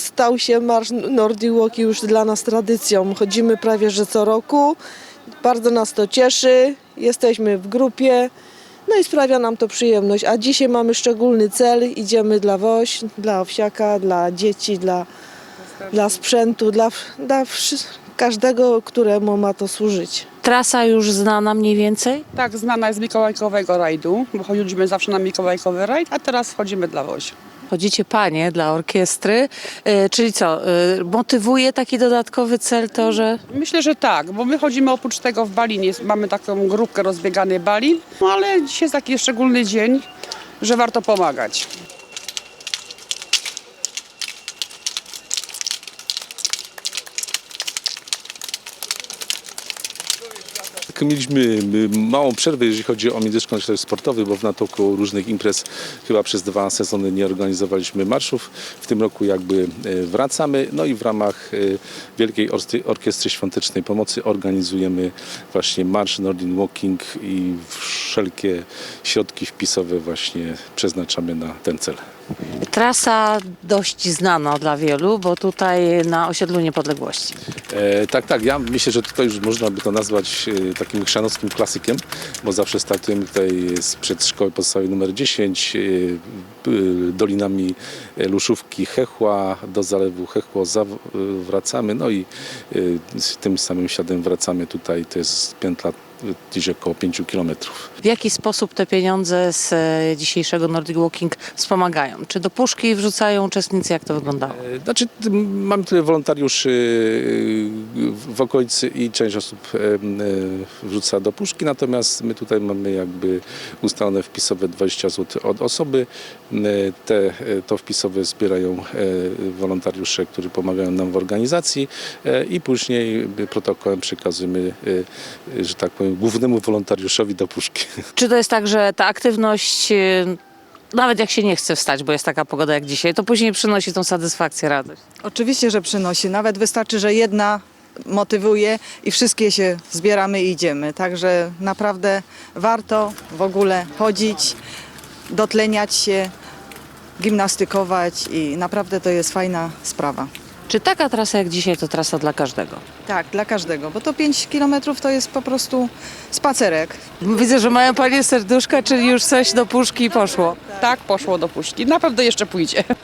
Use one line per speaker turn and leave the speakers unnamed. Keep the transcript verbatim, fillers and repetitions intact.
Stał się Marsz Nordic Walk już dla nas tradycją. Chodzimy prawie że co roku. Bardzo nas to cieszy. Jesteśmy w grupie. No i sprawia nam to przyjemność. A dzisiaj mamy szczególny cel. Idziemy dla Woś, dla Owsiaka, dla dzieci, dla, dla sprzętu, dla, dla wszy- każdego, któremu ma to służyć.
Trasa już znana mniej więcej?
Tak, znana jest z mikołajkowego rajdu, bo chodziliśmy zawsze na mikołajkowy rajd, a teraz wchodzimy dla Wozi.
Chodzicie panie dla orkiestry, e, czyli co, e, motywuje taki dodatkowy cel to, że
Myślę, że tak, bo my chodzimy oprócz tego w Balin, mamy taką grupkę rozbiegany Balin, no ale dzisiaj jest taki szczególny dzień, że warto pomagać.
Mieliśmy małą przerwę, jeżeli chodzi o międzyszkolny ośrodek sportowy, bo w natłoku różnych imprez chyba przez dwa sezony nie organizowaliśmy marszów. W tym roku jakby wracamy, no i w ramach Wielkiej Orkiestry Świątecznej Pomocy organizujemy właśnie marsz Nordic Walking i wszelkie środki wpisowe właśnie przeznaczamy na ten cel.
trasa dość znana dla wielu, bo tutaj na Osiedlu Niepodległości.
E, tak, tak, ja myślę, że tutaj już można by to nazwać e, takim chrzanowskim klasykiem, bo zawsze startujemy tutaj sprzed szkoły podstawowej numer dziesięć, e, e, dolinami Luszówki, Chechła, do zalewu Chechło zaw- e, wracamy, no i e, z tym samym śladem wracamy tutaj, to jest piętla gdzieś około pięciu kilometrów.
W jaki sposób te pieniądze z e, dzisiejszego Nordic Walking wspomagają? Czy do puszki wrzucają uczestnicy? Jak to wyglądało?
E, Znaczy, t- mamy tyle wolontariuszy e, w okolicy i część osób e, e, wrzuca do puszki, natomiast my tutaj mamy jakby ustalone wpisowe dwadzieścia złotych od osoby. E, Te, e, to wpisowe zbierają e, wolontariusze, którzy pomagają nam w organizacji e, i później protokołem przekazujemy, e, że tak powiem, głównemu wolontariuszowi do puszki.
Czy to jest tak, że ta aktywność, e, nawet jak się nie chce wstać, bo jest taka pogoda jak dzisiaj, to później przynosi tą satysfakcję, radość?
Oczywiście, że przynosi. Nawet wystarczy, że jedna motywuje i wszystkie się zbieramy i idziemy. Także naprawdę warto w ogóle chodzić, dotleniać się, gimnastykować i naprawdę to jest fajna sprawa.
Czy taka trasa jak dzisiaj to trasa dla każdego?
Tak, dla każdego, bo to pięć kilometrów to jest po prostu spacerek.
Widzę, że mają panie serduszka, czyli już coś do puszki poszło.
Tak, poszło do puszki, na pewno jeszcze pójdzie.